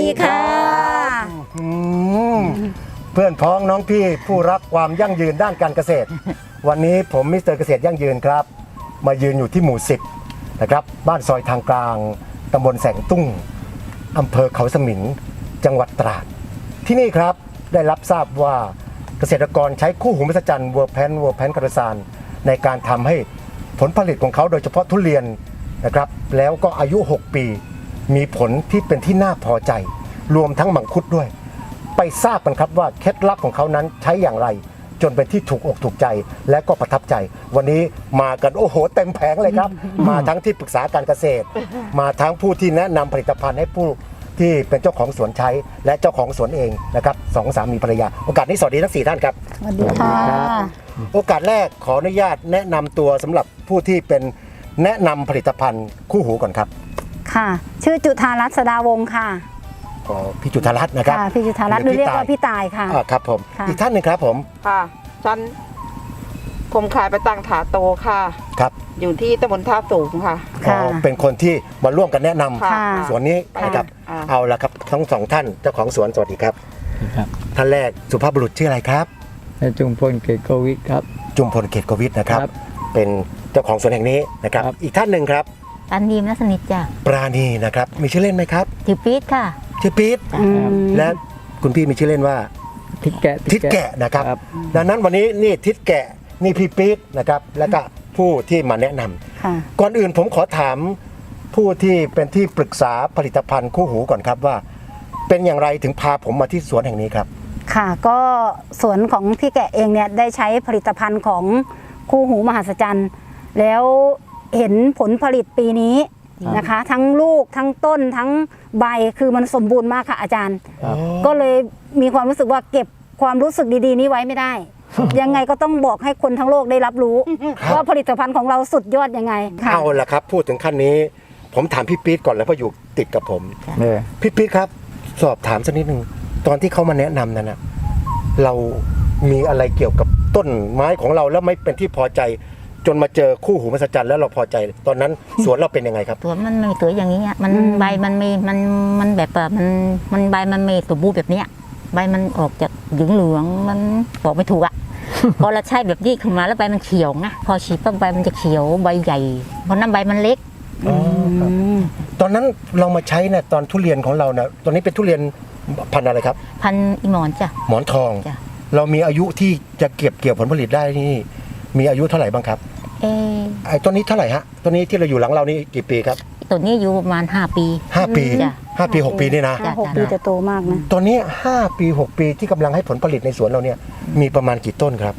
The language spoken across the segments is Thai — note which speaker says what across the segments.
Speaker 1: ดีค่ะ
Speaker 2: เพื่อนพ้องน้องพี่ผู้รักความยั่งยืนด้านการเกษตร วันนี้ผมมิสเตอร์เกษตรยั่งยืนครับมายืนอยู่ที่หมู่10นะครับบ้านซอยทางกลางตำบลแสงตุ้งอำเภอเขาสมิงจังหวัดตราดที่นี่ครับได้รับทราบว่าเกษตรกรใช้คู่หูมหัศจรรย์เวอร์แพนคาร์ซานในการทำให้ผลผลิตของเขาโดยเฉพาะทุเรียนนะครับแล้วก็อายุ 6 ปีมีผลที่เป็นที่น่าพอใจรวมทั้งมังคุดด้วยไปทราบกันครับว่าเคล็ดลับของเขานั้นใช้อย่างไรจนเป็นที่ถูกอกถูกใจและก็ประทับใจวันนี้มากันโอ้โหเต็มแผงเลยครับ มาทั้งที่ปรึกษาการเกษตร มาทั้งผู้ที่แนะนำผลิตภัณฑ์ให้ผู้ที่เป็นเจ้าของสวนใช้และเจ้าของสวนเองนะครับสองสามีภรรยาโอกาสนี้สวัสดีทั้ง4ท่านครับ
Speaker 1: สวัสดีค่ะ
Speaker 2: โอกาสแรกขออนุญาตแนะนำตัวสำหรับผู้ที่เป็นแนะนำผลิตภัณฑ์คู่หูก่อนครับ
Speaker 1: ค่ะ ชื่อจุธารัตน์สดาวงศ์ค่ะ
Speaker 2: ขอพี่จุธารัตน์นะครับ
Speaker 1: ค่ะพี่จุธารัตน์หรือเรียกว่าพี่ตายค่ะ
Speaker 2: ครับผม
Speaker 1: ค่ะ
Speaker 2: อีกท่านหนึ่งครับผม
Speaker 3: ค่ะผมขายไปตังถาโตค่ะ
Speaker 2: ครับ
Speaker 3: อยู่ที่ตำบลท่าสูงค่ะ
Speaker 1: ค่ะ
Speaker 2: เป็นคนที่มาร่วมกันแนะนำ
Speaker 3: ค่ะ
Speaker 2: สวนนี้นะครับ
Speaker 3: ค่ะ
Speaker 2: เอาละครับทั้งสองท่านเจ้าของสวนสวัสดีครับ
Speaker 4: ครับ
Speaker 2: ท่านแรกสุภาพบุรุษชื่ออะไรครับ
Speaker 4: นายจุมพลเกตโกวิทครับ
Speaker 2: จุมพลเกตโกวิทนะครับ
Speaker 4: ครับ
Speaker 2: เป็นเจ้าของสวนแห่งนี้นะครับ
Speaker 4: ครับ
Speaker 2: อีกท่านหนึ่งครับ
Speaker 5: ตันดีมนัสนิทจ้ะ
Speaker 2: ปราณีนะครับมีชื่อเล่นไหมครับ
Speaker 5: ถือปี๊ดค่ะ
Speaker 2: ชื่อปี๊ด
Speaker 1: อืม
Speaker 2: และคุณพี่มีชื่อเล่นว่า
Speaker 4: ทิศแกะ
Speaker 2: ทิศแกะนะครับ
Speaker 4: ครับ
Speaker 2: ดังนั้นวันนี้นี่ทิศแกะนี่พี่ปี๊ดนะครับแล้วก็ผู้ที่มาแนะนำ
Speaker 1: ค่ะ
Speaker 2: ก่อนอื่นผมขอถามผู้ที่เป็นที่ปรึกษาผลิตภัณฑ์คู่หูก่อนครับว่า เป็นอย่างไรถึงพาผมมาที่สวนแห่งนี้ครับ
Speaker 1: ค่ะ ก็สวนของพี่แกะเองเนี่ยได้ใช้ผลิตภัณฑ์ของคู่หูมหัศจรรย์แล้วเห็นผลผลิตปีนี้นะคะ ทั้งลูกทั้งต้นทั้งใบคือมันสมบูรณ์มากค่ะอาจารย์
Speaker 4: ครับ
Speaker 1: ก็เลยมีความรู้สึกว่าเก็บความรู้สึกดีๆนี้ไว้ไม่ได้ ยังไงก็ต้องบอกให้คนทั้งโลกได้รับรู้
Speaker 2: ครับ
Speaker 1: ว่าผลิตภัณฑ์ของเราสุดยอดยังไงค่ะ
Speaker 2: เอาละครับพูดถึงขั้นนี้ ผมถามพี่ปี๊ดก่อนแล้วเพราะอยู่ติดกับผม
Speaker 4: เนี่ย
Speaker 2: พี่ปี๊ดครับ สอบถามสักนิดนึงตอนที่เขามาแนะนำนั้นนะเรามีอะไรเกี่ยวกับต้นไม้ของเราแล้วไม่เป็นที่พอใจ จนมาเจอคู่หูมหัศจรรย์แล้วเราพอใจ ตอนนั้นสวนเราเป็นยังไงครับ
Speaker 5: ตัวมันไม่ตัวอย่างนี้อะมันใบมันไม่มันแบบว่ามันใบมันไม่สมบูรณ์แบบเนี้ยใบมันออกจากเหลืองมันบอกไม่ถูกอ่ะ พอเราใช้แบบนี้ขึ้นมาแล้วใบมันเขียวไงพอฉีดปั๊บใบมันจะเขียวใบใหญ่เพราะน้ำใบมันเล็ก
Speaker 2: อ๋อครับตอนนั้นเรามาใช้เนี่ยตอนทุเรียนของเราเนี่ยตอนนี้เป็นทุเรียนพันธุ์อะไรครับ
Speaker 5: พันอีหมอนจ้ะ
Speaker 2: หมอนทอง
Speaker 5: จ้ะ
Speaker 2: เรามีอายุที่จะเก็บเกี่ยวผลผลิตได้นี่มีอายุเท่าไหร่บ้างครับ
Speaker 5: เอ๊ะ
Speaker 2: ไอ้ต้นนี้เท่าไหร่ฮะต้นนี้ที่เราอยู่หลังเรานี่กี่ปีครับ
Speaker 5: ตัวนี้อยู่ประมาณ5 ปี
Speaker 2: 5 ปี
Speaker 5: จ้ะ
Speaker 2: 5 ปี 6 ปีนี่นะ
Speaker 5: จ้ะ
Speaker 1: 6 ปีจะโตมากนะ
Speaker 2: ตอนนี้ 5 ปี 6 ปีที่กำลังให้ผลผลิตในสวนเราเนี่ยมีประมาณกี่ต้นครับ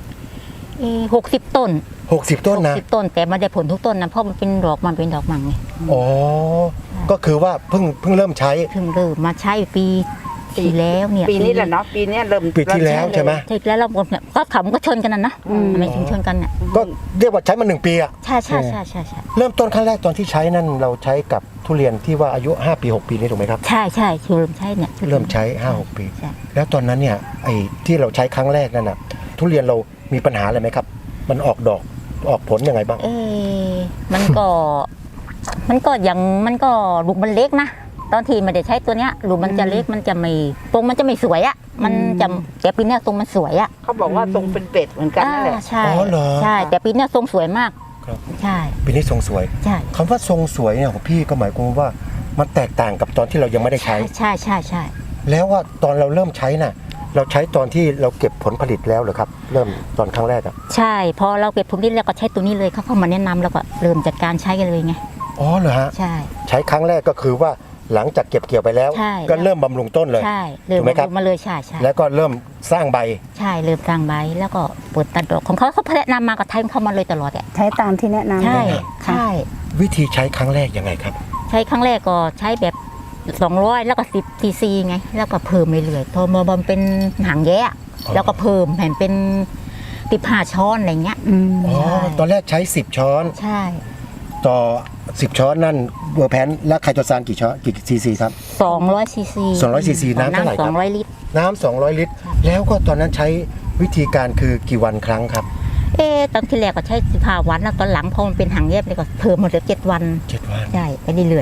Speaker 5: 60 ต้น
Speaker 2: 60 ต้นนะ
Speaker 5: 60 ต้นแต่ไมันได้ผลทุกต้นนะเพราะมันเป็นดอกมันเป็นดอกมังไง
Speaker 2: อ๋อก็คือว่าเพิ่งเริ่มใช้
Speaker 5: เพิ่งเริ่มมาใช้ปีที่แล้วเนี่ย
Speaker 3: ปีนี้แหละเนาะปีนี้เริ่ม
Speaker 2: ปีที่แล้วใช่ไหม
Speaker 5: ใช่แล้วเราเนี่ยก็ขำก็ชนกันนะทำไมถึงชนกันเนี่ย
Speaker 2: ก็เรียกว่าใช้มา1 ปีอะ
Speaker 5: ใช่
Speaker 2: เริ่มต้นขั้นแรกตอนที่ใช้นั่นเราใช้กับทุเรียนที่ว่าอายุ 5 ปี 6 ปีนี่ถูกไหมครับ
Speaker 5: ใช่เริ่มใช่เนี่ย
Speaker 2: เริ่มใช้ 5-6 ปี
Speaker 5: ใช่
Speaker 2: แล้วตอนนั้นเนี่ยไอ้ที่เราใช้ครั้งแรกนั่นน่ะทุเรียนเรามีปัญหาอะไรไหมครับ มันออกดอกออกผลยังไงบ้าง
Speaker 5: เอ๊ะมันก็อย่างมันก็ลูกมันเล็กนะตอนที่ไม่ได้ใช้ตัวเนี้ยลูกมันจะเล็กมันจะไม่ตรงมันจะไม่สวยอ่ะมันจะแต่ปีเนี้ยตรงมันสวยอ่ะ
Speaker 3: เขาบอกว่าทรงเป็นเป็ดเหมือนกันนั่นแหละ
Speaker 5: ใช่
Speaker 2: อ๋อเหรอ
Speaker 5: ใช่แต่ปีเนี้ยทรงสวยมาก
Speaker 2: ครับ
Speaker 5: ใช่
Speaker 2: ปีนี้ทรงสวย
Speaker 5: ใช่
Speaker 2: คำว่าทรงสวยเนี่ยของพี่ก็หมายความว่ามันแตกต่างกับตอนที่เรายังไม่ได้ใช้
Speaker 5: ใช่
Speaker 2: แล้วว่าตอนเราเริ่มใช้น่ะเราใช้ตอนที่เราเก็บผลผลิตแล้วเหรอครับ เริ่มตอนครั้งแรกอ่ะ
Speaker 5: ใช่พอเราเก็บผลผลิตแล้วก็ใช้ตัวนี้เลยเขาเข้ามาแนะนำแล้วก็เริ่มจัดการใช้กันเลยไง
Speaker 2: อ๋อเหรอฮะ
Speaker 5: ใช่
Speaker 2: ใช้ครั้งแรกก็คือว่าหลังจากเก็บเกี่ยวไปแล้ว
Speaker 5: ใช่
Speaker 2: ก็เริ่มบำรุงต้นเลย
Speaker 5: ใช่เริ่ม
Speaker 2: ถูกไหมครับ
Speaker 5: มาเลยใช่
Speaker 2: แล้วก็เริ่มสร้างใบ
Speaker 5: ใช่เริ่มสร้างใบแล้วก็เปิดตัดดอกของเขาแนะนำมากับไทยเข้ามาเลยตลอดอ่ะ
Speaker 1: ใช้ตามที่แนะนำ
Speaker 5: ใช่
Speaker 1: ค่ะ
Speaker 5: ใช่
Speaker 2: วิธีใช้ครั้งแรกยังไงครับ
Speaker 5: ใช้ครั้งแรกก็ใช้แบบ200แล้วก็10 cc ไงแล้วก็เพิ่มไปเรื่อยๆพอมาบำเป็นหางแย่แล้วก็เพิ่มแผ่นเป็น15 ช้อนอะไรเงี้ย
Speaker 1: อืม
Speaker 2: อ๋อ
Speaker 5: ใช่
Speaker 2: ตอนแรกใช้ 10 ช้อน
Speaker 5: ใช่
Speaker 2: ต่อ 10 ช้อนนั่นเวอร์แพนและไคโตซานกี่ช้อนกี่ซีซีครับ
Speaker 5: 200 cc
Speaker 2: 200 cc น้ำเท่าไหร่ครับ
Speaker 5: 200 ลิตร
Speaker 2: น้ำ200 ลิตร แล้วก็ตอนนั้นใช้วิธีการคือกี่วันครั้งครับ
Speaker 5: ตอนที่แรกก็ใช้15 วันแล้วตอนหลังพอมันเป็นหางแยบเลยก็เพิ่มมาเหลือ7 วัน
Speaker 2: 7 วัน
Speaker 5: ใช่ไปเรื่อย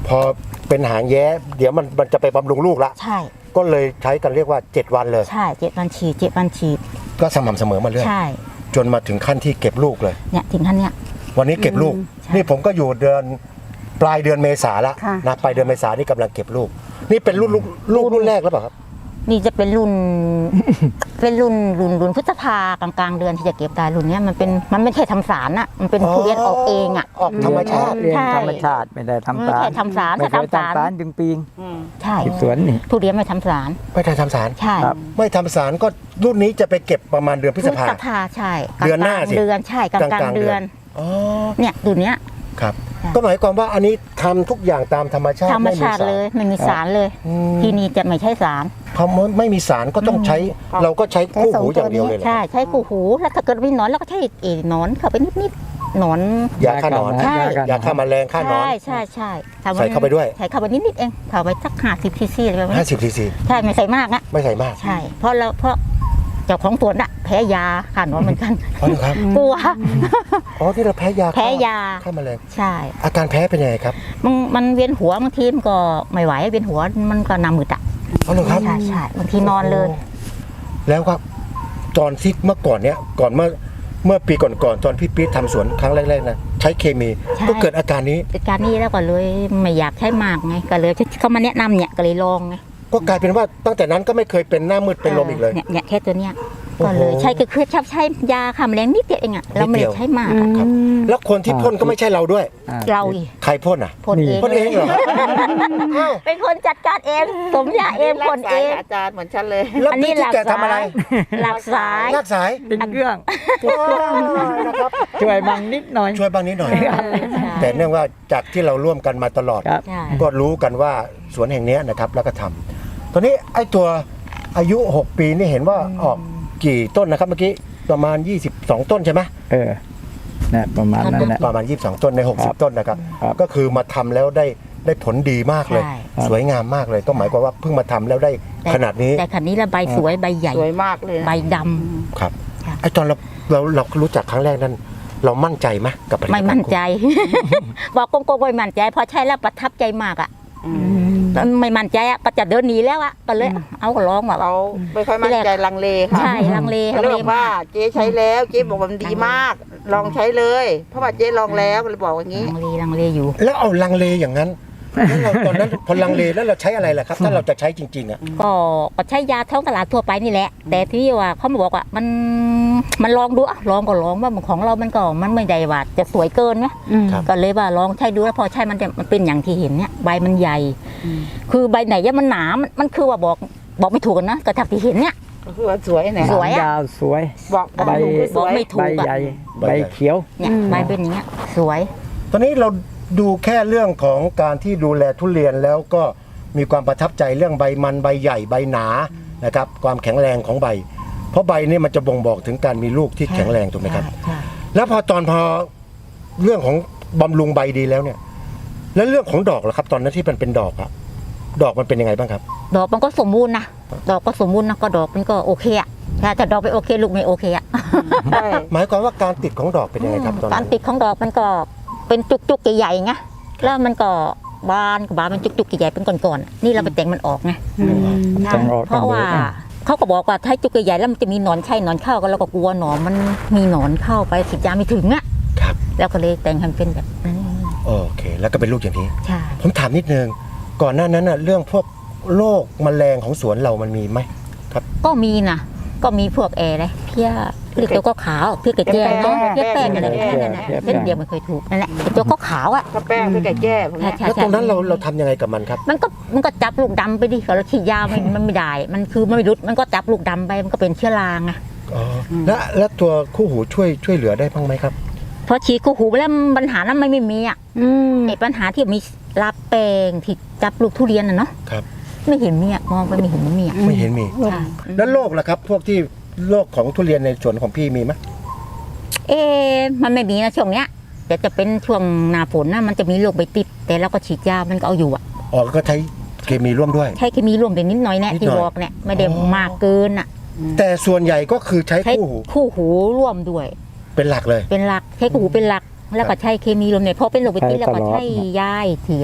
Speaker 2: พอเป็นหางแย้เดี๋ยวมันจะไปบำรุงลูกละ
Speaker 5: ใช่
Speaker 2: ก็เลยใช้กันเรียกว่า 7 วันเลย
Speaker 5: ใช่7 วันฉีด7 วันฉีด
Speaker 2: ก็สม่ำเสมอมาเรื่อย
Speaker 5: ใช่
Speaker 2: จนมาถึงขั้นที่เก็บลูกเลย
Speaker 5: เนี่ยถึงขั้นเนี้ย
Speaker 2: วันนี้เก็บลูก
Speaker 5: ใช่
Speaker 2: นี่ผมก็อยู่เดือนปลายเดือนเมษาละ
Speaker 1: ค่ะ
Speaker 2: นะปลายเดือนเมษานี่กำลังเก็บลูก นี่เป็นรุ่นแรกแล้วเปล่าครับ
Speaker 5: นี่จะเป็นรุ่น เป็นรุ่นพฤษภากลางๆเดือนที่จะเก็บได้รุ่นเนี้ยมันไม่ใช่ทำสารอะมันเป็นทุเรียนออกเองอะ
Speaker 2: ออกธรรมชาติ
Speaker 4: เรียน
Speaker 5: ใช่
Speaker 4: ธรรมชาติไม่ได้ทำ
Speaker 5: ไม่
Speaker 4: สาร
Speaker 5: ใช่ทำสาร
Speaker 4: ไม่
Speaker 5: ถ้า
Speaker 4: เคย
Speaker 5: ทำสาร
Speaker 4: ทำสารจึงปีง
Speaker 5: ใช่
Speaker 4: ที่สวนนี่
Speaker 5: ทุเรียนไม่ทำสาร
Speaker 2: ไม่ได้ทำสาร
Speaker 5: ใช่
Speaker 4: ครับ
Speaker 2: ไม่ทำสารก็รุ่นนี้จะไปเก็บประมาณเดือนพฤษภา
Speaker 5: ใช่
Speaker 2: เดือนหน้าสิ
Speaker 5: เดือนใช่กลางๆเดือน
Speaker 2: อ๋อ
Speaker 5: เนี่ยรุ่นเนี้ย
Speaker 2: ครับ
Speaker 5: ค่ะ
Speaker 2: ก็หมายความว่าอันนี้ทำทุกอย่างตามธรรมชาติ
Speaker 5: ธรรมชาติเลยไม่มีสารเลย
Speaker 2: อืม
Speaker 5: ที่นี่จะไม่ใช่สาร
Speaker 2: พอไม่มีสารก็ต้องใช้ เราก็ใช้คู่หูอย่างเดียวเลยเหรอ
Speaker 5: ใช่ใช้กูหูแล้วถ้าเกิดมีหนอนเราก็ใช้หนอนเข้าไปนิดๆหนอน
Speaker 2: ยาฆ่าหนอน
Speaker 5: ใช่
Speaker 2: ยาฆ่าแมลงฆ่าหนอน
Speaker 5: ใช่ทำ
Speaker 2: ใส่เข้าไปด้วย
Speaker 5: ใส่เข้าไปนิดๆเองเข้าไปสัก50 ซีซีอะไรประมาณนี้
Speaker 2: 50 ซีซี
Speaker 5: ใช่ไม่ใส่มากนะ
Speaker 2: ไม่ใส่มาก
Speaker 5: ใช่เพราะเจ้าของสวนอะแพ้ยาฆ่าหนอนเหมือนกัน
Speaker 2: อ๋อเหรอครับ
Speaker 5: กลัว
Speaker 2: อ๋อที่เราแพ้ยา
Speaker 5: แพ้ยา
Speaker 2: ฆ่าแมลง
Speaker 5: ใช่
Speaker 2: อาการแพ้เป็นยังไงครับ
Speaker 5: มันเวียนหัวบางทีมันก็ไม่ไหวเวียนหัวมันก็หน้ามืดอะ
Speaker 2: อ๋อเหรอครับ
Speaker 5: ใช่บางทีนอนเลย
Speaker 2: แล้วครับตอนที่เมื่อก่อนเนี้ยก่อนเมื่อปีก่อนๆตอนพี่ปี๊ดทำสวนครั้งแรกๆนะใช้เคมี
Speaker 5: ใช่
Speaker 2: ก็เกิดอาการนี้
Speaker 5: เหตุการณ์นี้แล้วก็เลยไม่อยากใช้มากไงก็เลยเขามาแนะนำเนี่ยก็เลยลองไง
Speaker 2: ก็กลายเป็นว่าตั้งแต่นั้นก็ไม่เคยเป็นหน้ามืดเป็นลมอีกเลย
Speaker 5: เนี่ยแค่ตัวเนี้ย
Speaker 2: โอ้โห
Speaker 5: ก็เลยใช้ก็คือชอบใช้ยาฆ่าแมลงนิดเดียวเองอะเราไม่ได้ใช้มากอะ
Speaker 2: ครับแล้วคนที่พ่นก็ไม่ใช่เราด้วย
Speaker 4: อ่
Speaker 5: เราอีก
Speaker 2: ใครพ่นอ่ะ
Speaker 5: พ่นเอง
Speaker 2: พ่นเองเหรออ้าว
Speaker 5: เป็นคนจัดการเองสมยาเองพ่นเอง
Speaker 3: อาจารย์เหมือนฉันเลย
Speaker 2: แล้ว
Speaker 5: อันนี้
Speaker 2: พี่ที่แกทำอะไร
Speaker 5: หลักสาย
Speaker 2: ลากสาย
Speaker 4: ติดเครื่อง
Speaker 2: นะครับ
Speaker 4: ช่วยบังนิดหน่อย
Speaker 2: ช่วยบ้างนิดหน่อย
Speaker 5: ใช่
Speaker 2: แต่เนื่องว่าจากที่เราร่วมกันมาตลอด
Speaker 4: ครับ
Speaker 5: ใช่
Speaker 2: ก็รู้กันว่าสวนแห่งเนี้ยนะครับแล้วก็ทำตอนนี้ไอ้ตัวอายุ 6 ปีนี่เห็นว่าออกกี่ต้นนะครับเมื่อกี้ประมาณ 22 ต้นใช่ไหม
Speaker 4: นะประมาณนั้นแหละ
Speaker 2: ประมาณ 22 ต้นใน
Speaker 4: ครับ
Speaker 2: 60 ต้นนะครับ
Speaker 4: ครับ
Speaker 2: ก็คือมาทำแล้วได้ผลดีมากเลย
Speaker 5: ใช่
Speaker 2: สวยงามมากเลยก็หมายความว่าเพิ่งมาทำแล้วได้ขนาดนี้
Speaker 5: แต่คันนี้ละใบสวยใบใหญ่
Speaker 3: สวยมากเลยนะ
Speaker 5: ใบดำ
Speaker 2: ครับ
Speaker 5: ค่ะ
Speaker 2: ไอ้ตอนเรารู้จักครั้งแรกนั้น เรามั่นใจไหมกับผลิตภั
Speaker 5: ไม่
Speaker 2: ณฑ์
Speaker 5: มั่นใจ บอกโกงๆไม่มั่นใจพอใช้แล้วประทับใจมากอะไม่มั่นใจอะก็จะเดินหนีแล้วอะก็เลยเอาก็ลองแบบ
Speaker 3: เราไม่ค่อยมั่นใจลังเลค่ะ
Speaker 5: ใช่ลังเล
Speaker 3: เขาเลยบอกว่าเจ๊ใช้แล้วเจ๊บอกว่ามันดีมาก ลองใช้เลย เพราะว่าเจ๊ลองแล้วก็เลยบอกอย่างนี้
Speaker 5: ลังเลอยู่
Speaker 2: แล้วเอาลังเลอย่างนั้นแล้วเราตอนนั้นพอลังเลแล้วเราใช้อะไรล่ะครับ ถ้าเราจะใช้จริงๆอ่ะ
Speaker 5: ก็ใช้ยาท้องตลาดทั่วไปนี่แหละ แต่ที่ว่าเขามาบอกว่ามันลองดูอะลองก็ลองว่าของเรามันไม่ได้ว่าจะสวยเกินไหม
Speaker 2: ครับ
Speaker 5: ก็เลยว่าลองใช้ดูแล้วพอใช้มันเป็นอย่างที่เห็นเนี่ยใบมันใหญ่ คือใบไหนเนี่ยมันหนามันคือว่าบอกไม่ถูกกันนะกระทับที่เห็นเนี่ย
Speaker 3: ก็คือว่าสวยเนี่ย
Speaker 5: สวยอะ
Speaker 4: ยาวสวย
Speaker 3: บอกบอก
Speaker 4: ใบ
Speaker 3: ถูกคือสวย
Speaker 5: ไม่ถู
Speaker 4: ใบ
Speaker 5: กอะ
Speaker 4: ใหญ่ใบเขียว
Speaker 5: เนี่ยใบเป็นอย่างเงี้ยสวย
Speaker 2: ตอนนี้เราดูแค่เรื่องของการที่ดูแลทุเรียนแล้วก็มีความประทับใจเรื่องใบมันใบใหญ่ใบหนานะครับความแข็งแรงของใบ เพราะใบนี่มันจะบ่งบอกถึงการมีลูกที่แข็งแรงถูกไหมครับ
Speaker 5: ใช่
Speaker 2: แล้วพอเรื่องของบำรุงใบดีแล้วเนี่ย แล้วเรื่องของดอกล่ะครับ ตอนนั้นที่มันเป็นดอกอะดอกมันเป็นยังไงบ้างครับ
Speaker 5: ดอกมันก็สมบูรณ์นะดอกก็สมบูรณ์นะก็ดอกมันก็โอเคอะแต่ดอกไม่โอเคลูกไม่โอเคอะ
Speaker 3: ใช่
Speaker 2: หมายความว่าการติดของดอกเป็นยังไงครับตอน
Speaker 5: กา
Speaker 2: นั้
Speaker 5: ร
Speaker 2: น
Speaker 5: ติดของดอกมันก็เป็นจุกๆใหญ่ๆไงแล้วมันก็บานมันจุกๆใหญ่ๆเป็นก้อนๆนี่เราไปแต่งมันออกไง
Speaker 4: แต่งออก
Speaker 5: เพราะว่า
Speaker 4: ต้องดู
Speaker 5: เขาก็บอกว่าถ้าจุกใหญ่ๆแล้วมันจะมีหนอนใช่หนอนเข้าก็เราก็กลัวหนอนมันมีหนอนเข้าไปฉีดยาไม่ถึงอ่ะ
Speaker 2: ครับ
Speaker 5: แล้วก็เลยแต่งให้มันเป็นแบบนั้น
Speaker 2: โอเค แล้วก็เป็นลูกอย่างนี้
Speaker 5: ใช่
Speaker 2: ผมถามนิดนึงก่อนหน้านั้นน่ะเรื่องพวกโรคแมลงของสวนเรามันมีไหม
Speaker 5: ก็มีนะก็มีพวกเลยเพี้ยเรียกตัวก็ขาวเพี้ยกระเจี๊ยบเนาะเพี้ยแป้งอะไรนั่นแหละเส้นเดียวไม่เคยถูกนั่นแหละตัวก็ขาวอ่ะ
Speaker 3: ถ้าแป้งไปแก่แก้ผมเนี่ย
Speaker 5: ใช่
Speaker 2: แล้วตรงนั้นเราทำยังไงกับมันครับ
Speaker 5: มันก็จับลูกดำไปดิเราฉีดยามันไม่ได้มันคือมันไม่รุดมันก็จับลูกดำไปมันก็เป็นเชื้อราไง
Speaker 2: อ๋อแล้วตัวคู่หูช่วยเหลือได้บ้างไหมครับ
Speaker 5: พอฉีดกูหูไปแล้วปัญหานั้นไม่มีอ่ะไอ้ปัญหาที่มีลาแปลงที่จับลูกทุเรียนน่ะเนาะ
Speaker 2: ครับ
Speaker 5: ไม่เห็นมีอ่ะมองไปไม่เห็นมันมีอ่ะ
Speaker 2: ไม่เห็นมี
Speaker 5: ใช่
Speaker 2: แล้วโรคล่ะครับ พวกที่โรคของทุเรียนในสวนของพี่มีไหม
Speaker 5: มันไม่มีนะช่วงเนี้ยแต่จะเป็นช่วงหน้าฝนนะมันจะมีโรคใบติดแต่เราก็ฉีดยามันก็เอาอยู่อ่ะ
Speaker 2: อ๋อก็ใช้เคมีร่วมด้วย
Speaker 5: ใช้เคมีร่วมแต่นิดหน่อยแน่
Speaker 2: นิดหน่
Speaker 5: ที่
Speaker 2: อย
Speaker 5: บอกเนี่ยไม่ได้
Speaker 2: อ๋อ
Speaker 5: มากเกินอ่ะ
Speaker 2: แต่ส่วนใหญ่ก็คือใช้
Speaker 5: ใช้
Speaker 2: คู่หู
Speaker 5: คู่หูร่วมด้วย
Speaker 2: เป็นหลักเลย
Speaker 5: เป็นหลักใช้คู่หูเป็นหลักแล้วก็ใช้เคมีร่วมเนี่ยพอเป็นโรคใบติดแล้วก็ใช้ยาอีกทีเลย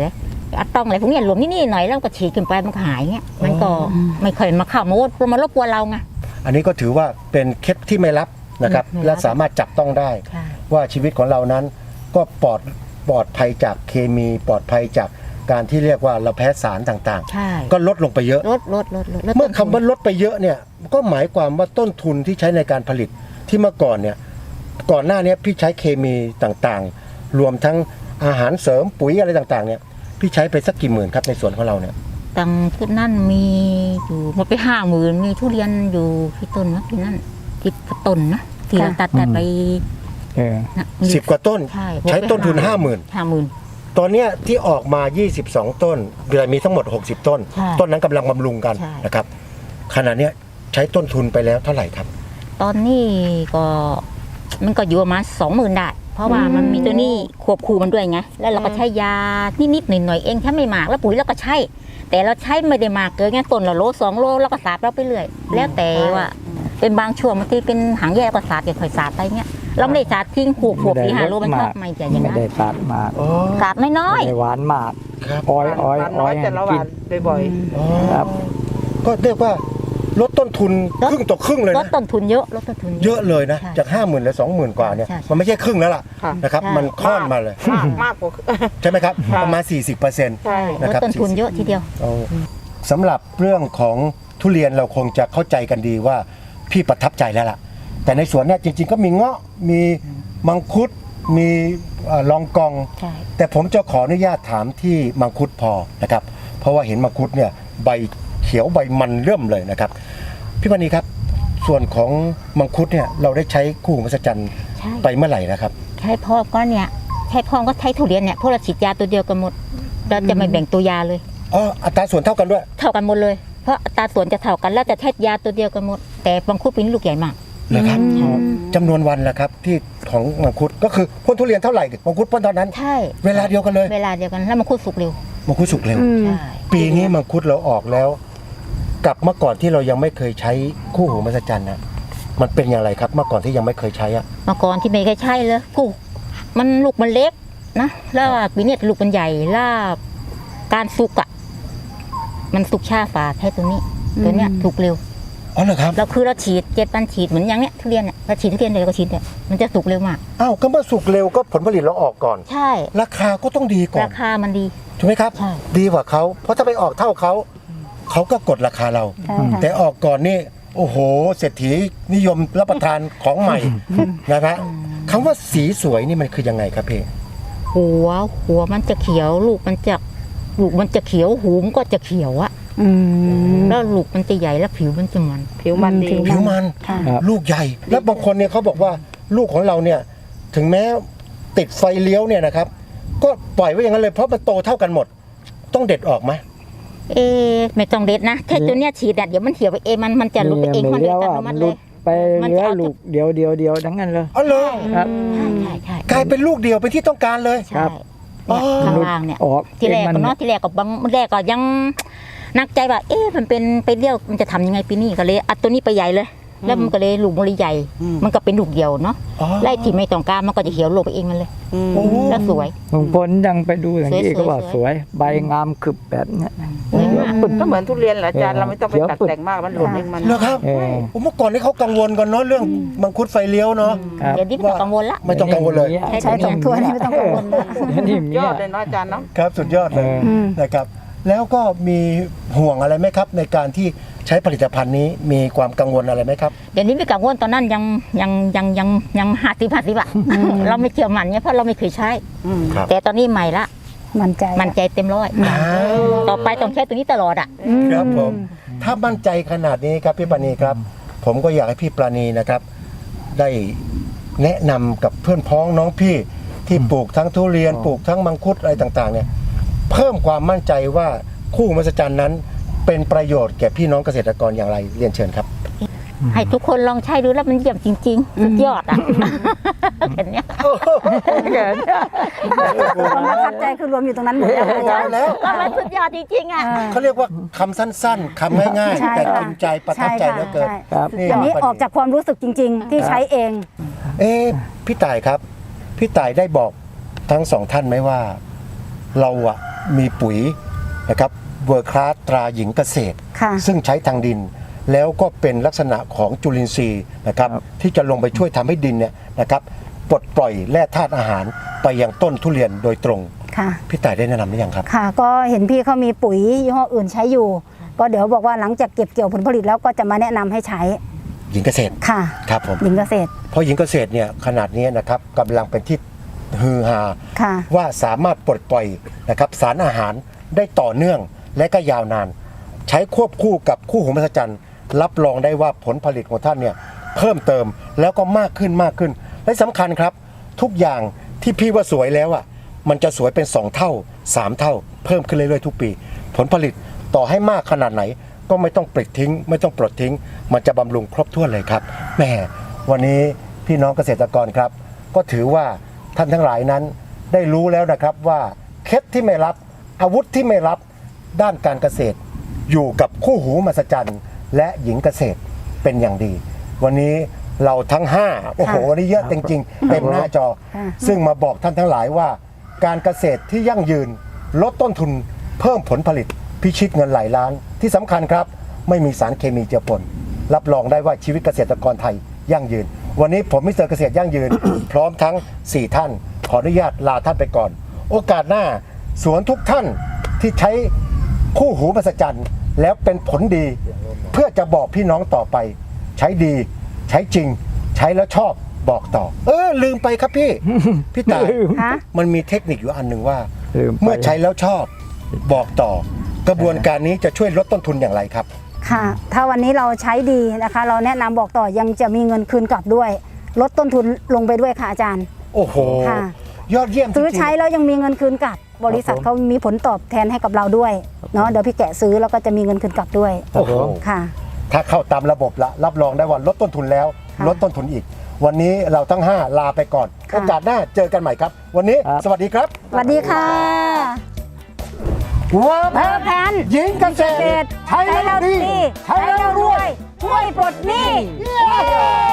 Speaker 5: อะตองอะไรพวกเนี้ยหลวมนี่หน่อยแล้วก็ฉีดขึ้นไปมันก็หายเงี้ยมันก็ไม่ค่อยมาเข้ามารบกวนเราไง
Speaker 2: อันนี้ก็ถือว่าเป็นเคล็ดที่ไม่ลับนะครับ
Speaker 5: ไม่ลับ
Speaker 2: และสามารถจับต้องได้
Speaker 5: ใช่
Speaker 2: ว่าชีวิตของเรานั้นก็ปลอดภัยจากเคมีปลอดภัยจากการที่เรียกว่าเราแพ้สารต่าง
Speaker 5: ใช่
Speaker 2: ๆ ก็ลดลงไปเยอะ
Speaker 5: ลด
Speaker 2: เมื่อคำว่าลดไปเยอะเนี่ยก็หมายความว่าต้นทุนที่ใช้ในการผลิตที่เมื่อก่อนเนี่ยก่อนหน้านี้พี่ใช้เคมีต่างๆ รวมทั้งอาหารเสริมปุ๋ยอะไรต่างๆเนี่ยพี่ใช้ไปสักกี่หมื่นครับในสวนของเราเนี่ย
Speaker 5: ตังที่นั่นมีอยู่หมดไป50,000มีทุเรียนอยู่ที่ต้นนะที่นั่นที่ต้นนะที่เราตัดไป
Speaker 4: เออ
Speaker 5: นะ
Speaker 2: 10 กว่าต้น
Speaker 5: ใช่
Speaker 2: ใช้ต้นทุน 50,000
Speaker 5: 50,000
Speaker 2: ตอนเนี้ยที่ออกมา 22 ต้นเดือนมีทั้งหมด 60 ต้น
Speaker 5: ใช่
Speaker 2: ต้นนั้นกำลังบำรุงกัน
Speaker 5: ใช่
Speaker 2: นะครับขณะเนี้ยใช้ต้นทุนไปแล้วเท่าไหร่ครับ
Speaker 5: ตอนนี้ก็มันก็อยู่ประมาณ20,000ได้ เพราะว่ามันมีตัวนี้ควบคู่มันด้วยไงแล้วเราก็ใช้ยานิดๆหน่อยๆเองแค่ไม่มากแล้วปุ๋ยเราก็ใช้แต่เราใช้ไม่ได้มากเกินไงต้นละโล2 โลแล้วก็สาดเราไปเรื่อยแล้วแต่ว่าเป็นบางช่วงบางทีเป็นหางแย่ก็สาดค่อยๆสาดไปเงี้ยเราไม่ได้สาดทิ้งหัวปี5 โลมันชอบไม่จะอย่าง
Speaker 4: ไม่
Speaker 5: นั้น
Speaker 4: ได้ตัดมาก
Speaker 5: สาดน้อย
Speaker 4: ไม่ได้หวานมาก
Speaker 2: ครับ
Speaker 4: อ้อยอ้อย
Speaker 3: หวาน
Speaker 4: อ้
Speaker 3: น้
Speaker 4: อ
Speaker 3: อย ยแต่ละห
Speaker 4: กิ
Speaker 3: วานบ่อย
Speaker 4: ครับ
Speaker 2: ก็เรียกว่าลดต้นทุนครึ่งต่อครึ่งเลย
Speaker 5: ๆลด
Speaker 2: นะ
Speaker 5: ต้นทุนเยอะลดต้นทุน
Speaker 2: เยอะเลยนะ
Speaker 5: ใช่
Speaker 2: จาก 50,000เหลือ 20,000 กว่าเนี่ย
Speaker 5: ใช่
Speaker 2: มันไม่ใช่ครึ่งแล้วล่ะ
Speaker 3: ค่ะ
Speaker 2: นะครับ
Speaker 5: ใช่
Speaker 2: มันค่อนมาเลย
Speaker 3: มากกว่า
Speaker 2: ใช่ไหมครับ
Speaker 3: ค่ะ
Speaker 2: ประมาณ 40%
Speaker 3: ใช่
Speaker 5: ลดต้นทุนเยอะทีเดียว
Speaker 2: สำหรับเรื่องของทุเรียนเราคงจะเข้าใจกันดีว่าพี่ประทับใจแล้วล่ะ แต่ในสวนเนี่ยจริงๆก็มีเงาะมีมังคุดมีลองกอง
Speaker 5: ใช่
Speaker 2: แต่ผมจะขออนุญาตถามที่มังคุดพอนะครับเพราะว่าเห็นมังคุดเนี่ยใบเขียวใบมันเริ่มเลยนะครับพี่ปณีครับส่วนของมังคุดเนี่ยเราได้ใช้คู่หูมหัศจรรย์
Speaker 5: ใช่
Speaker 2: ไปเมื่อไหร่นะครับ
Speaker 5: ใช่พ่อก็เนี่ยใช่พ่อก็ใช้ทุเรียนเนี่ยพวกเราฉีดยาตัวเดียวกันหมดเราจะไม่แบ่งตัวยาเลย
Speaker 2: อ๋ออัตราส่วนเท่ากันด้วย
Speaker 5: เท่ากันหมดเลย เพราะอัตราส่วนจะเท่ากันแล้วจะใช้ยาตัวเดียวกันหมด แต่บางคุดเป็นลูกใหญ่มาก
Speaker 2: นะครับจำนวนวันละครับที่ของมังคุดก็คือพ่นทุเรียนเท่าไหร่มังคุดพ่นเท่านั้น
Speaker 5: ใช่
Speaker 2: เวลาเดียวกันเลย
Speaker 5: เวลาเดียวกันแล้วบางคุดสุกเร็ว
Speaker 2: มังคุดสุกเร็ว
Speaker 5: ใช่
Speaker 2: ปีนี้มังคุดเราออกแล้ว กับเมื่อก่อนที่เรายังไม่เคยใช้คู่หูมหัศจรรย์นะมันเป็นอย่างไรครับเมื่อก่อนที่ยังไม่เคยใช้อะ
Speaker 5: เมื่อก่อนที่ไม่เคยใช่เลยกูมันลูกมันเล็กนะแล้วปีนี้ลูกมันใหญ่แล้วการสุกอ่ะมันสุกช้าฝ่าแค่ตัวนี้ ตัวเนี้ยสุกเร็ว
Speaker 2: อ๋อเหรอครับ
Speaker 5: เราคือเราฉีด7 วันฉีดเหมือนอย่างเนี้ยทุเรียนเนี่ยเราฉีดทุเรียนเลยก็ฉีดเนี่ยมันจะสุกเร็วมาก
Speaker 2: อ้าวก็เมื่อสุกเร็วก็ผลผลิตเราออกก่อน
Speaker 5: ใช่
Speaker 2: ราคาก็ต้องดีก่อน
Speaker 5: ราคามันดี
Speaker 2: ถูกไหมครับ
Speaker 5: ใช่
Speaker 2: ดีกว่าเขาเพราะถ้าไปออกเท่าเขาเขาก็กดราคาเรา
Speaker 1: ใช่ค่ะ
Speaker 2: แต่ออกก่อนนี่โอ้โหเศรษฐีนิยมรับประทานของใหม่นะครับคำว่าสีสวยนี่มันคือยังไงครับพี่
Speaker 5: หัวมันจะเขียวลูกมันจะเขียวหูมันก็จะเขียวอะ
Speaker 1: อืม
Speaker 5: แล้วลูกมันจะใหญ่แล้วผิวมันจะมัน
Speaker 3: ผิวมันดี
Speaker 2: ผิวมัน
Speaker 1: ค่ะ
Speaker 4: ครับ
Speaker 2: ลูกใหญ่ แล้วบางคนเนี่ยเขาบอกว่าลูกของเราเนี่ยถึงแม้ติดไฟเลี้ยวเนี่ยนะครับ ก็ปล่อยไว้อย่างนั้นเลยเพราะมันโตเท่ากันหมด ต้องเด็ดออกไหม
Speaker 5: ไม่ต้องเด็ดนะแค่ตัวเนี้ยฉีดอะเดี๋ยวมันเขียวไปเองมันจะลุกไปเอง
Speaker 4: ไม่
Speaker 5: มันเดิ
Speaker 4: เลี้
Speaker 5: น
Speaker 4: ยว
Speaker 5: อัต
Speaker 4: อ่ะ
Speaker 5: โนมั
Speaker 4: มัน
Speaker 5: ติ
Speaker 4: ห
Speaker 5: เล
Speaker 4: ลุ
Speaker 5: ย
Speaker 4: ดไป
Speaker 5: มัน
Speaker 4: เหลื
Speaker 5: จะ
Speaker 4: อ
Speaker 5: เอา
Speaker 4: ลูกเดียวทั้งนั้นเลย
Speaker 2: อ๋อเหรอ
Speaker 4: ครับ
Speaker 5: ใช่
Speaker 2: กลายเป็นลูกเดียวเป็นที่ต้องการเลย
Speaker 4: ครั
Speaker 5: ใช่
Speaker 4: บ
Speaker 5: เนี่ยข้างล่างเนี่ย
Speaker 4: ออก
Speaker 5: ที่แรก
Speaker 4: มัน
Speaker 5: ก็เนาะที่แรกก็บางแรกก็ยังนักใจว่ามันเป็นไปเลี้ยวมันจะทำยังไงปีนี้ก็เลยอัดตัวนี้ไปใหญ่เลย แล้วมันก็เลยลูกมันเลยใหญ่ มันก็เป็นลูกเดียวเนาะ
Speaker 2: อ๋อ
Speaker 5: ไล่ที่ไม่ต้องการมันก็จะเขียวลงไปเองมันเลย
Speaker 2: โอ้
Speaker 5: แล้วสวย
Speaker 4: ลุงพลยังไปดูอย่างนี้
Speaker 5: สวยๆ
Speaker 4: ก็ว่าสวย ใบงามขึบแบบเนี้ย
Speaker 5: สวยมาก
Speaker 3: ก็เหมือนทุเรียนแหละอาจารย์เราไม่ต้องไป
Speaker 4: เดี๋ยว
Speaker 3: ตัดแต่งมากมันหล่นเองมัน
Speaker 2: เหรอครับ
Speaker 4: เออ
Speaker 2: ผมเมื่อก่อนนี่เขากังวลกันเนาะเรื่องมังคุดไฟเลี้ยวเนาะ
Speaker 4: ครับ
Speaker 5: เดี๋ยวนี้ไม่ต้องกังวลละ
Speaker 2: ไม่ต้องกังวลเลย
Speaker 1: ใช้สองถ้วยนี่ไม่ต้องกังวลนะ
Speaker 4: เดี๋ยวนี้มี
Speaker 3: ยอดเลยเนาะอาจารย์เนาะ
Speaker 2: ครับสุดยอดเลย
Speaker 1: อืม
Speaker 2: นะครับ แล้วก็มีห่วงอะไรไหมครับ ในการที่ใช้ผลิตภัณฑ์นี้มีความกังวลอะไรไหมครับ
Speaker 5: เดี๋ยวนี้ไม่กังวลตอนนั้นยัง50 อะเราไม่เชื่อมันเนี่ยเพราะเราไม่เคยใช้
Speaker 2: ครับ
Speaker 5: แต่ตอนนี้ใหม่ละ
Speaker 1: มั่นใจ
Speaker 5: มันใจเต็มร้อย ต่อไปต้องใช้ตัวนี้ตลอดอ่ะ
Speaker 2: ครับผมถ้ามั่นใจขนาดนี้ครับพี่ปราณีครับ ผมก็อยากให้พี่ปราณีนะครับ ได้แนะนำกับเพื่อนพ้องน้องพี่ที่ปลูกทั้งทุเรียนปลูกทั้งมังคุดอะไรต่างๆเนี่ยเพิ่มความมั่นใจว่าคู่หูมหัศจรรย์นั้นเป็นประโยชน์แก่พี่น้องเกษตรกรอย่างไรเรียนเชิญครับ
Speaker 5: ให้ทุกคนลองใช้ดูแล้วมันเยี่ยมจริงๆสุดยอดอ่ะเห็นเนี้ย
Speaker 1: ความประทับใจคือรวมอยู่ตรงนั้นหมดแล้วอาจารย์
Speaker 2: แล้ว
Speaker 5: ก็มันสุดยอดจริงๆอ่ะ
Speaker 2: เขาเรียกว่าคำสั้นๆคำง่าย
Speaker 1: ใช่
Speaker 2: ๆ แต่
Speaker 1: ค่ะ
Speaker 2: กินใจประทับใจเหลือเกิน
Speaker 1: ใช่
Speaker 4: ครับ
Speaker 1: อันนี้ออกจากความรู้สึกจริง ๆ ที่ใช้เอง
Speaker 2: พี่ต่ายครับ พี่ต่ายได้บอกทั้งสองท่านไหมว่า เราอะมีปุ๋ยนะครับเวอร์คลาสตราหญิงเกษตร
Speaker 1: ค่ะ
Speaker 2: ซึ่งใช้ทางดิน แล้วก็เป็นลักษณะของจุลินทรีย์นะครับที่จะลงไปช่วยทำให้ดินเนี่ยนะครับปลดปล่อยแร่ธาตุอาหารไปยังต้นทุเรียนโดยตรง
Speaker 1: ค่ะ
Speaker 2: พี่ต่ายได้แนะนำหรือยังครับ
Speaker 1: ค่ะ ก็เห็นพี่เขามีปุ๋ยยี่ห้ออื่นใช้อยู่ ก็เดี๋ยวบอกว่าหลังจากเก็บเกี่ยวผลผลิตแล้วก็จะมาแนะนำให้ใช้
Speaker 2: หญิงเกษตร
Speaker 1: ค่ะ
Speaker 2: ครับผม
Speaker 1: หญิงเกษตร
Speaker 2: เพราะหญิงเกษตรเนี่ยขนาดนี้นะครับกำลังเป็นที่ฮือฮา
Speaker 1: ค่ะ
Speaker 2: ว่าสามารถปลดปล่อยนะครับสารอาหารได้ต่อเนื่องและก็ยาวนาน ใช้ควบคู่กับคู่หูมหัศจรรย์รับรองได้ว่าผลผลิตของท่านเนี่ยเพิ่มเติมแล้วก็มากขึ้นมากขึ้น และสำคัญครับทุกอย่างที่พี่ว่าสวยแล้วอ่ะมันจะสวยเป็น2เท่า3เท่าเพิ่มขึ้นเรื่อยๆทุกปี ผลผลิตต่อให้มากขนาดไหน ก็ไม่ต้องปลิดทิ้ง ไม่ต้องปลดทิ้ง มันจะบำรุงครบถ้วนเลยครับแหมวันนี้พี่น้องเกษตรกรครับ ก็ถือว่าท่านทั้งหลายนั้นได้รู้แล้วนะครับว่าเคล็ดที่ไม่รับอาวุธที่ไม่รับด้านการเกษตร อยู่กับคู่หูมหัศจรรย์และหญิงเกษตรเป็นอย่างดี วันนี้เราทั้ง5โอ้โหวันนี้เยอะจริงๆเต็มหน้าจอ
Speaker 1: ค่ะ
Speaker 2: ซึ่งมาบอกท่านทั้งหลายว่า การเกษตรที่ยั่งยืนลดต้นทุนเพิ่มผลผลิตพิชิตเงินหลายล้าน ที่สำคัญครับ ไม่มีสารเคมีเจือปนรับรองได้ว่าชีวิตเกษตรกรไทยยั่งยืน วันนี้ผมมิสเตอร์เกษตรยั่งยืน พร้อมทั้ง 4 ท่าน ขออนุญาตลาท่านไปก่อน โอกาสหน้าสวนทุกท่านที่ใช้คู่หูมหัศจรรย์แล้วเป็นผลดี เพื่อจะบอกพี่น้องต่อไป ใช้ดีใช้จริง ใช้แล้วชอบบอกต่อ ลืมไปครับพี่ พี่ตาย
Speaker 1: คะ
Speaker 2: มันมีเทคนิคอยู่อันหนึ่งว่า
Speaker 4: ลืมไป
Speaker 2: เมื่อใช้แล้วชอบบอกต่อ กระบวนการนี้จะช่วยลดต้นทุนอย่างไรครับ
Speaker 1: ค่ะ ถ้าวันนี้เราใช้ดีนะคะ เราแนะนำบอกต่อยังจะมีเงินคืนกลับด้วย ลดต้นทุนลงไปด้วยค่ะอาจารย์
Speaker 2: โอ้โห
Speaker 1: ค่ะ
Speaker 2: ยอดเยี่ยมจริงๆ
Speaker 1: ซื้อใช้แล้วยังมีเงินคืนกลับ บริษัทเขามีผลตอบแทนให้กับเราด้วยเนาะเดี๋ยวพี่แกะซื้อแล้วก็จะมีเงินคืนกลับด้วย
Speaker 2: โอ้โห
Speaker 1: ค่ะ
Speaker 2: ถ้าเข้าตามระบบละรับรองได้ว่าลดต้นทุนแล้ว
Speaker 1: ค่ะ
Speaker 2: ลดต้นทุนอีก วันนี้เราทั้ง 5 ลาไปก่อน
Speaker 1: ค่ะ
Speaker 2: โอกาสหน้าเจอกันใหม่ครับ วันนี้
Speaker 4: ครับ
Speaker 2: สวัสดีครับ
Speaker 1: สวัสดีค่ะ
Speaker 2: เวิร์
Speaker 1: เพิ่มแพน
Speaker 2: หญิงเกษตร
Speaker 1: ใช้แล้วดี ใช้แล้วรวย ช่วยปลดหนี้